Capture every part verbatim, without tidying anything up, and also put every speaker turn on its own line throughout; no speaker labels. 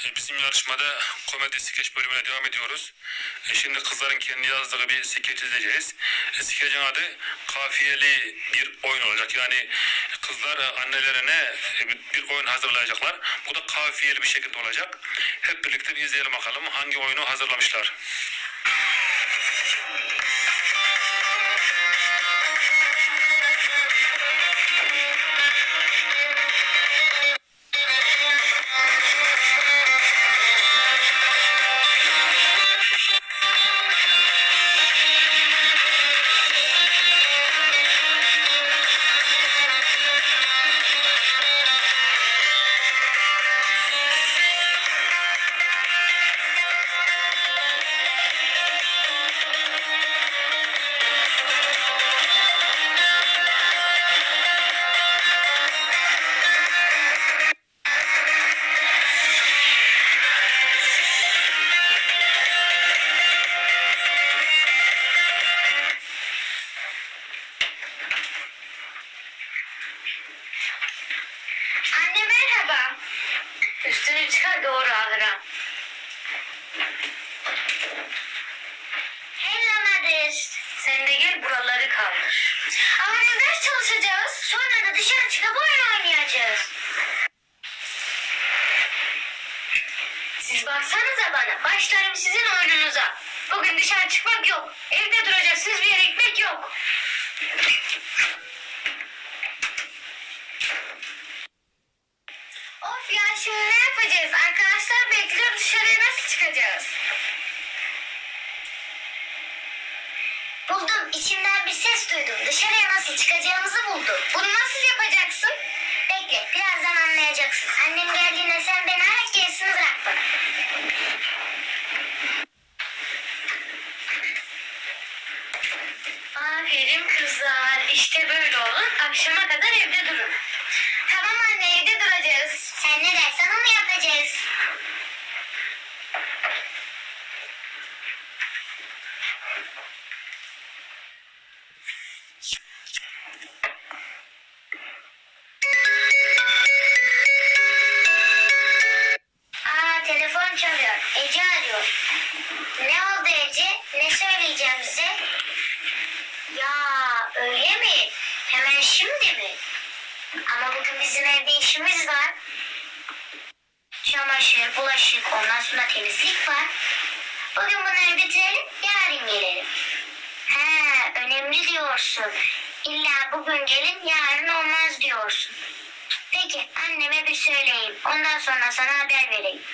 E, Bizim yarışmada komedi skeç bölümüne devam ediyoruz. E, Şimdi kızların kendi yazdığı bir skeç izleyeceğiz. E, Skecin adı kafiyeli bir oyun olacak. Yani kızlar e, annelerine e, bir bir oyun hazırlayacaklar. Bu da kafiyeli bir şekilde olacak. Hep birlikte bir izleyelim bakalım hangi oyunu hazırlamışlar.
Anne merhaba. Üstünü çıkar doğru ahıra. Hello Madis. Sen de gel buraları kaldır. Ama biz ders çalışacağız. Sonra da dışarı çıkıp oyun oynayacağız. Siz baksanıza bana. Başlarım sizin oyununuza. Bugün dışarı çıkmak yok. Evde duracaksınız, bir yere gitmek yok. Of ya, şimdi ne yapacağız? Arkadaşlar bekliyor, dışarıya nasıl çıkacağız? Buldum, içimden bir ses duydum. Dışarıya nasıl çıkacağımızı buldum. Bunu nasıl yapacaksın? Bekle, birazdan anlayacaksın. Annem geldiğinde sen beni ara, gerisini bırak bana. Aferin kızlar. İşte böyle olun. Akşama kadar evde durun. Tamam anne, evde duracağız. Sen ne dersen onu yapacağız. Aa, telefon çalıyor. Ece arıyor. Ne oldu Ece? Ne söyleyeceğim bize? Ya öyle mi? Hemen şimdi mi? Ama bugün bizim evde işimiz var. Çamaşır, bulaşık, ondan sonra temizlik var. Bugün bunları bitirelim, yarın gelelim. He, önemli diyorsun. İlla bugün gelin, yarın olmaz diyorsun. Peki, anneme bir söyleyeyim. Ondan sonra sana haber vereyim.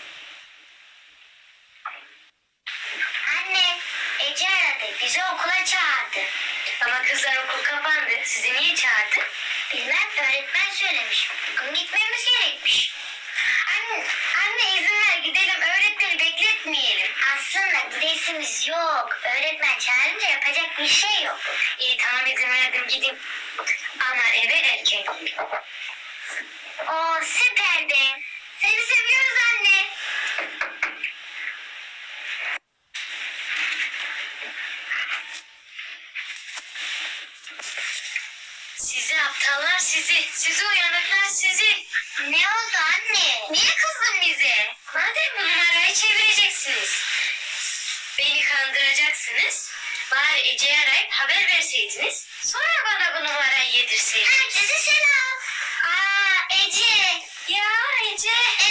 Anne, Ece aradı. Bizi okula çağırdı. Ama kızlar okul kapandı. Sizi niye çağırdı? Bilmem, öğretmen söylemiş. Bugün gitmemiz gerekmiş. Anne, anne izin ver gidelim. Öğretmeni bekletmeyelim. Aslında gidesimiz yok. Öğretmen çağırınca yapacak bir şey yok. İyi tamam, izin verdim, gideyim. Ama eve erken. Oo, süper be. Seni seviyoruz anne. Sizi aptallar sizi. Sizi uyanıklar sizi. Ne oldu anne? Niye kızdın bize? Madem bu numarayı çevireceksiniz, beni kandıracaksınız, bari Ece'yi arayıp haber verseydiniz, sonra bana bu numarayı yedirseydiniz. Herkese selam. Aa, Ece. Ya Ece.